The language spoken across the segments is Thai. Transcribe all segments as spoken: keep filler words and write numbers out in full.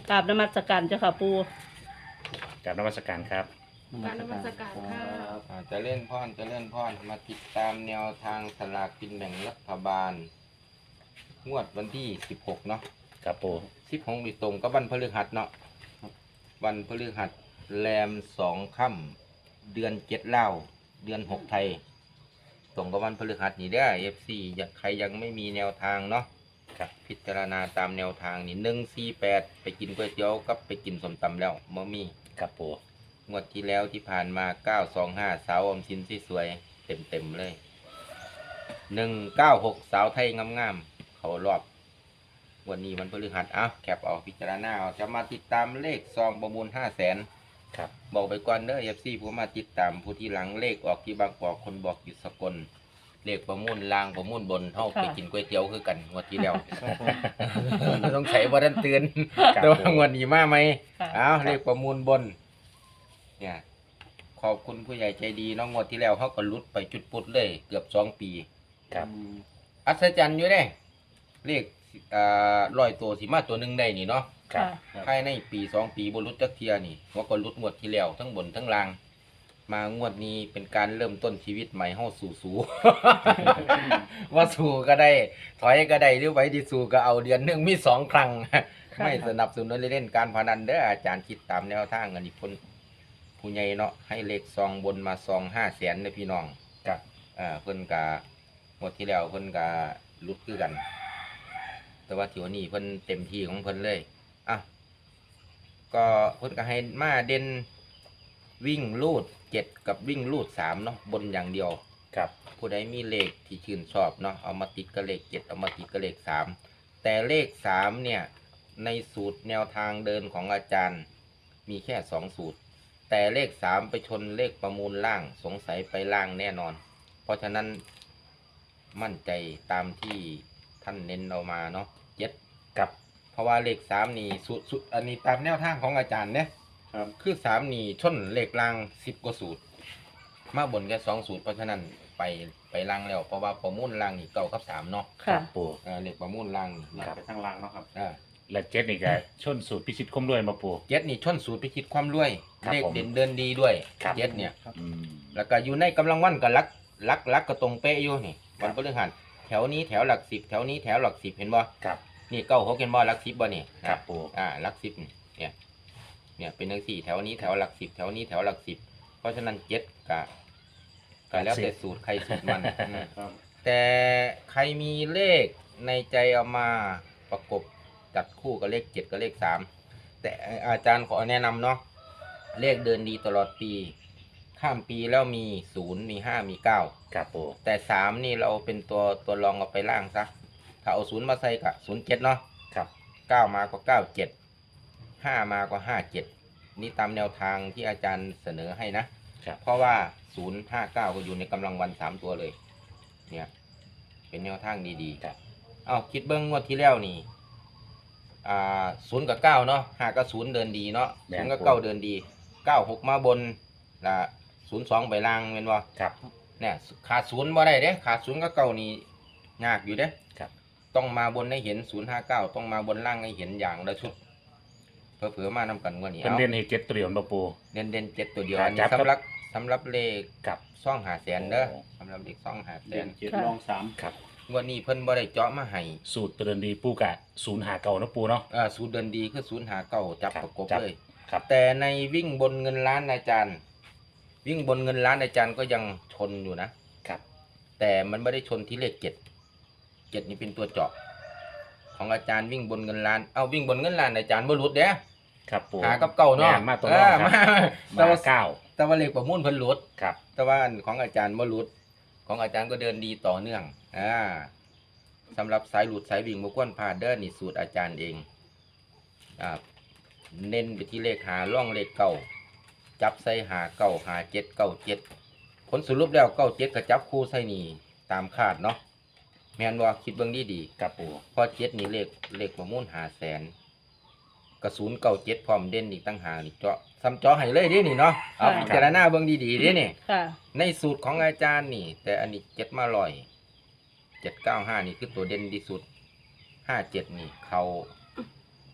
กราบนมัสการเจ้าค่ะปูกราบนมัสการครับการนมัสการค่ะอ่าจะเล่นพ่อนจะเล่นพ่อนมาติดตามแนวทางสลากกินแบ่งรัฐบาล งวดวันที่สิบหกเนาะครับปูสิบหกมีตรงก็วันพฤหัสเนาะวันพฤหัสแรมสองค่ำเดือนเจ็ดเล่าเดือนหกไทย ตรงกับวันพฤหัสนี่ได้เอฟซีใครยังไม่มีแนวทางเนาะครับพิจารณาตามแนวทางนี่หนึ่งสี่แปดไปกินก๋วยเตี๋ยวกับไปกินสมตำแล้วมะมี่ครับปูงวดที่แล้วที่ผ่านมาเก้าสองห้าสาวอมสินสวยๆเต็มๆเลยหนึ่งเก้าหกสาวไทยงามๆเขารอบวันนี้มันพฤหัสอ่ะแคปเอาพิจารณาเอาจะมาติดตามเลขซองประมูลห้าแสนครับบอกไปก่อนเด้อเอฟซีผมมาติดตามผู้ที่หลังเลขออกที่บางกอกคนบอกอยู่สกลเลขประมูลล่างประมูลบนเท่าไปกินก๋วยเตี๋ยวคือกันงวดที่แล้ว ต้องใช้บ่ทันเตือนแต่ว่างวดนี้มาไหมค่ะอ้าวเลขประมูลบนเนี่ยขอบคุณผู้ใหญ่ใจดีน้องงวดที่แล้วเขาก็ลุดไปจุดปุดเลย เกือบสองปีครับอัศจรรย์อยู่เด้เลขอ่าร้อยตัวสิมาตัวหนึ่งได้นี่เนาะครับภายในปีสองปีบรุษจักเทียนี่ว่าก็ลุดงวดที่แล้วทั้งบนทั้งล่าง มางวดนี้เป็นการเริ่มต้นชีวิตใหม่เฮาสู่สู่ ว่าสู่ก็ได้ ถอยก็ได้หรือไว้ที่สู่ก็เอาเดือนหนึงมีสองครั้ง ไม่สนับสนุนเล่นการพนันเด้ออาจารย์คิดตามแนวทางอันนี้คนผู้ใหญ่เนาะให้เลขซองบนมาซองห้าแสนเลยพี่น้องครับอ่าเพิ่นกะงวดที่แล้วเพิ่นกะลุดคือกัน แต่ว่าที่วันนี้เพิ่นเต็มที่ของเพิ่นเลยอ่ะก็เพิ่นก็ให้มาเด่นวิ่งลูดเจ็ดกับวิ่งลูดสามเนาะบนอย่างเดียวครับผู้ใดมีเลขที่ชื่นชอบเนาะเอามาติดกับเลขเจ็ดเอามาติดกับเลขสามแต่เลขสามเนี่ยในสูตรแนวทางเดินของอาจารย์มีแค่สองสูตร แต่เลขสามไปชนเลขประมูลล่างสงสัยไปล่างแน่นอน เพราะฉะนั้นมั่นใจตามที่ท่านเน้นเอามาเนาะเจ็ดครับเพราะว่าเลขสามนี่สูตรสูตรอันนี้ตามแนวทางของอาจารย์เนี่ยครับคือสามนี่ชนเลขล่างสิบกว่าสูตร มาบนแค่สองสูตรเพราะฉะนั้นไปไปล่างแล้วเพราะว่าประมูลล่างนี่เก้ากับสามเนาะครัค่ะบปูเออเลขประมูลล่างนี่ครับไปทางล่างเนาะครับอ่าและเจ็ดนี่ก็ชนสูตรพิชิตคมด้วยมาปูเจ็ดนี่ชนสูตรพิชิตความรวยครับเลขผมเด่นเดินดีด้วยครับเจ็ดเนี่ยอืมแล้วก็อยู่ในกำลังวันกับลักลักลักก็ตรงเป๊ะอยู่นี่ครัวับนพฤหัสแถวนี้แถวหลักสิบแถวนี้แถวหลักสิบเห็นบ่ครับนี่เก้าหกเห็นบ่หลักสิบบ่นี่ครับปูอ่าหลักสิบนี่เนี่ยเนี่ยเป็นหนึ่งสี่แถวนี้แถวหลักสิบแถวนี้แถวหลักสิบเพราะฉะนั้นเจ็ดกะกะแล้วแต่สูตรใครสูตรมันอืมครับแต่ใครมีเลขในใจเอามาประกบจัดคู่กับเลขเจ็ดกับเลขสามแต่อาจารย์ขอแนะนำเนาะเลขเดินดีตลอดปี ข้ามปีแล้วมีศูนย์มีห้ามีเก้าครับปูแต่สามนี่เราเป็นตัวตัวรองเอาไปล่างซะถ้าเอาศูนย์มาใส่กับศูนย์เจ็ดเนาะครับเก้ามาก็เก้าเจ็ดห้ามาก็ห้าเจ็ดนี่ตามแนวทางที่อาจารย์เสนอให้นะครับเพราะว่าศูนย์ห้าเก้าก็อยู่ในกำลังวันสามตัวเลย เนี่ย เป็นแนวทางดีๆครับเอาคิดเบิ้งงวดที่แล้วนี่ อ่าศูนย์กับเก้าเนาะห้ากับศูนย์เดินดีเนาะแม่ศูนนย์กับเก้าเดินดีเก้าหกมาบนละศูนย์สองไปล่างเป็นบ่ครับเนี่ยขาดศูนย์บ่ได้เด้ขาดศูนย์กับเก้านี่ยากอยู่เด้ครับต้องมาบนให้เห็นศูนย์ห้าเก้าต้องมาบนล่างให้เห็นอย่างละชุดเผื่อๆมานำกันงวดนี้เป็นเอาเล่นให้เจ็ดตัวเดียวมาปูเด่นเด่นเจ็ดตัวเดียวครับอันนี้จับครับสำหรับสำหรับเลขกับซ่องหาแสนเด้อโอ้สำหรับเลขซ่องหาแสเด่นนเจ็ดค่ะรองสามครับงวดนี้เพิ่นบ่ได้เจาะมาให้สูตรเดินดีปูกะศูนย์หาเก่านะปูเนาะเอ่อสูตรเดินดีคือศูนย์หาเก้าจับครับประกบจับเลยครับแต่ในวิ่งบนเงินล้านอาจารย์ วิ่งบนเงินล้านอาจารย์ก็ยังชนอยู่นะครับแต่มันไม่ได้ชนที่เลขเจ็ดเจ็ดนี่เป็นตัวเจาะ ของอาจารย์วิ่งบนเงินล้านเอาวิ่งบนเงินล้านอาจารย์บ่หลุดเด้ครับปูหากับเก่าเนาะแม่นมาตัวเอรองอครับมาแต่มาว่าเก้าแต่ว่าเลขประมูลเพิ่นหลุดครับแต่ว่าอันของอาจารย์บ่หลุด ของอาจารย์ก็เดินดีต่อเนื่องอ่าสำหรับสายหลุดสายวิ่งบ่ควรพลาดเด้อนี่สูตรอาจารย์เองอ่าเน้นไปที่เลขหาล่องเลขเก้าจับใส่หาเก้าหาเจ็ดเก้าเจ็ดผลสรุปแล้วเก้าเจ็ดก็จับคู่ใส่นี่ตามคาดเนาะแม่นบ่คิดเบิ่งดีดีๆครับปูพอเจ็ดนี่เลขเลขประมูลหาแสนกระสุนเก่าเจ็ดพร้อมเด่นอีกตั้งหากนี่เจาะซ้ำเจาะให้เลยเดินี่เนาะเอาค่ะพิจารณาเบิ่งดีๆเดินี่ค่ะในสูตรของอาจารย์นี่ แต่อันนี้เจ็ดมาลอยเจ็ดเก้าห้านี่คือตัวเด่นที่สุดห้าเจ็ดนี่เขา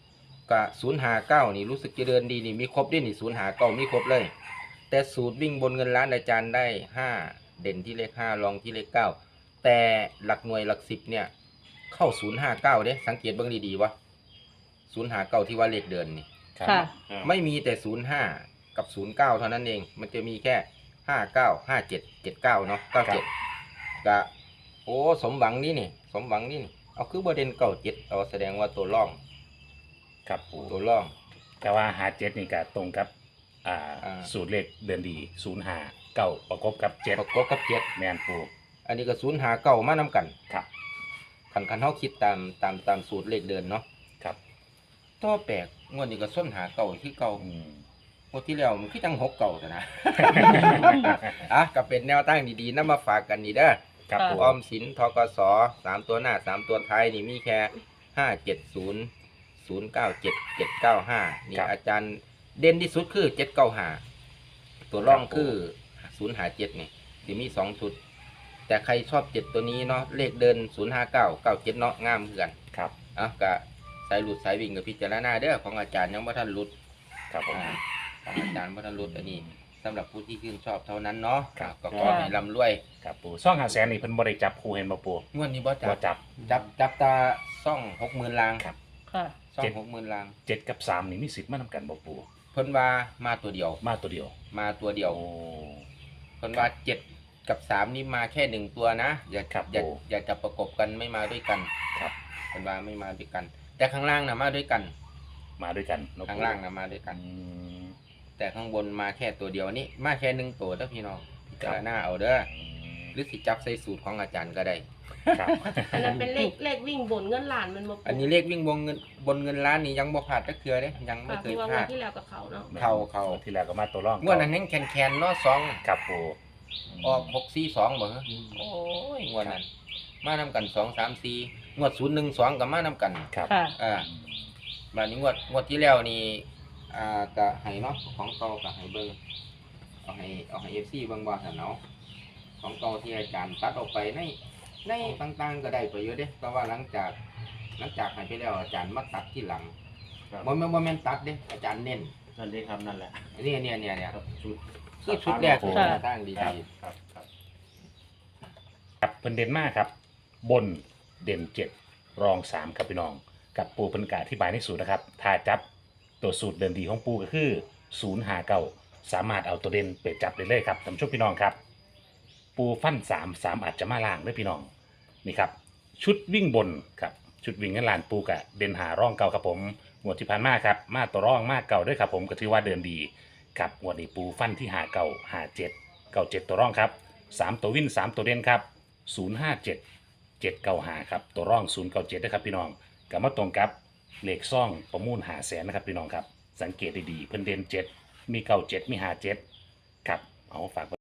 กะศูนย์หาเก้านี่รู้สึกจะเดินดีนี่มีครบด้วยนี่ศูนย์หาเก้ามีครบเลย แต่สูตรวิ่งบนเงินล้านอาจารย์ได้ห้าเด่นที่เลขห้ารองที่เลขเก้าแต่หลักหน่วยหลักสิบเนี่ยเข้าศูนย์ห้าเก้าเด้สังเกตเบิ่งดีๆวะศูนย์หาเก้าที่ว่าเลขเดินนี่ครับค่ะไม่มีแต่ศูนย์ห้ากับศูนย์เก้าเท่านั้นเอง มันจะมีแค่ห้าเก้าห้าเจ็ดเจ็ดเก้าเนาะเก้าเจ็ดกะโอ้สมหวังนี่นี่สมหวังนี่นี่เอาคือประเด็นเก้าเจ็ดเอาแสดงว่าตัวร่องครับปูตัวร่องแต่ว่าหาเจ็ดนี่ก็ตรงกับอ่าอ่าสูตรเลขเดือนดีศูนย์หาเก้าประกบกับเจ็ดประกบกับเจ็ดแมนปูอันนี้ก็ศูนย์หาเก้ามานำกันครับคันคันเขาคิดตามตามตามสูตรเลขเดินเนาะครับต่อแปลกงวดนี้ก็ส้นหาเก่าที่เก่าอืมงวดที่แล้วมันคือจังหกเก่าแต่นะ อ่ะก็เป็นแนวตั้งดีๆนำมาฝากกันนี่เด้อครับปูออมสินทกสสามตัวหน้าสามตัวท้ายนี่มีแค่ห้าเจ็ดศูนย์ศูนย์เก้าเจ็ดเจ็ดเก้าห้านี่อาจารย์เด่นที่สุดคือเจ็ดเก้าห้าตัวร่องคือศูนย์หาเจ็ดนี่สิมีสองชุด แต่ใครชอบเจ็ดตัวนี้เนาะเลขเดินศูนย์ห้าเก้าเก้าเจ็ดเนาะงามเหมือนกันครับอ่ะก็สายหลุดสายวิ่งกับพิจารณาเด้อของอาจารย์ยังบ่ทันหลุดครับผมอ่าของอาจารย์บ่ทันหลุดอันนี้สำหรับผู้ที่ชื่นชอบเท่านั้นเนาะครับก็ขอให้ร่ำรวยครับปูซ่องหาแสนนี่เพิ่นบ่ได้จับคู่เห็นบ่ปูงวดนี้บ่จับ่บจับจับจับตาซ่องหกหมื่นลางครับค่ะซ่อเจ็งดหกหมื่นลางเจ็ดกับสามนี่มีสิทธิ์มาทำกันบ่ปูเพิ่นว่ามาตัวเดียวมาตัวเดียวมาตัวเดียวโอ้เพิ่นว่าเจ็ดกับสามนี่มาแค่หนึ่งตัวนะอย่าครับอย่าโอ้อย่าจะประกบกันไม่มาด้วยกันครับเพิ่นว่าไม่มาด้วยกัน แต่ข้างล่างน่ะมาด้วยกันมาด้วยกันเนะปูข้างล่างน่ะมาด้วยกันอืมแต่ข้างบนมาแค่ตัวเดียวนี่มาแค่หนึ่งตัวเด้อพี่น้องพิจารณาเอาเด้อหรือสิจับใส่สูตรของอาจารย์ก็ได้ครับอันนั้นเป็นเลขเลขวิ่งบนเงินล้านมันมาอันนี้เลขวิ่งบนเงินบนเงินล้านนี่ยังบ่พลาดจักเทื่อเด้ยังไม่ค่ะเคที่ยว่าพงวลาดดที่แล้วกับเขาเนาะเข้าเข้าที่แล้วก็มาตัวร่องงวดนั้นแข็งแคนๆเนาะสองครับปูออกหกสี่สองบ่ฮะโอ้ยงวดนั้น มานำกันสองสามสี่งวดศูนย์หนึ่งสองกับมานำกันครับค่ะอ่าบานนี้งวดงวดที่แล้วนี่อ่าก็ให้เนาะของเก่าก็ให้เบิ่งเอาให้เอาให้ เอฟ ซี เบิ่งบ่ซั่นเนาะของเก่าที่อาจารย์ตัดออกไปในในต่างๆก็ได้ประโยชน์เด้แต่ว่าหลังจากหลังจากให้ไปแล้วอาจารย์มาตัดที่หลังบ่แม่นบ่แม่นตัดเด้อาจารย์เน้นนั่นเลยครับนั่นแหละเนี่ยเนี่ยเนี่ยเนี่ยครับชุดคือชุดแรกที่ค่ะตั้งดีครับๆครับครับครับเพิ่นเด่นมากครับ บนเด่นเจ็ดรองสามครับพี่น้อง กับปูเพิ่นกาอธิบายในสูตรนะครับ ถ้าจับตัวสูตรเดินดีของปูก็คือศูนย์หาเก้าสามารถเอาตัวเด่นไปจับได้เลยครับท่านผู้ชมพี่น้องครับ ปูฟันสามสามอาจจะมาล่างด้วยพี่น้องนี่ครับ ชุดวิ่งบนครับชุดวิ่งเงินล้านปูกะเด่นหาร่องเก่าครับผมงวดที่ผ่านมาครับมาตัวร่องมากเก่าด้วยครับผมก็ถือว่าเดินดีครับงวดนี้ปูฟันที่หาเก่าหาเจ็ดเก่าเจ็ดตัวร่องครับสามตัววิ่นสามตัวเด่นครับศูนย์ห้าเจ็ดเจ็ดเก้าหาครับตัวร่องศูนย์เก้าเจ็ดนะครับพี่น้องกับมาตรงกับเลขซ่องประมูลหาแสนนะครับพี่น้องครับสังเกตดีๆเพิ่นเด่นเจ็ดมีเก้าเจ็ดมีหาเจ็ดครับเอาฝาก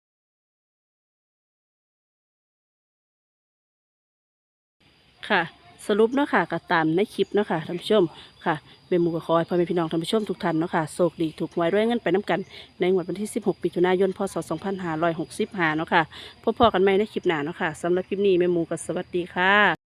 ค่ะ สรุปเนาะค่ะก็ตามในคลิปเนาะค่ะท่านผู้ชมค่ะเมหมูก็ขอให้พ่อแม่พี่น้องท่านผู้ชมทุกท่านเนาะค่ะโชคดีถูกหวยรวยเงินไปน้ำกันในงวดวันที่สิบหกมิถุนายนพศสองพันห้าร้อยหกสิบห้าเนาะค่ะพบพอกันใหม่ในคลิปหน้าเนาะค่ะสำหรับคลิปนี้เมหมูก็สวัสดีค่ะ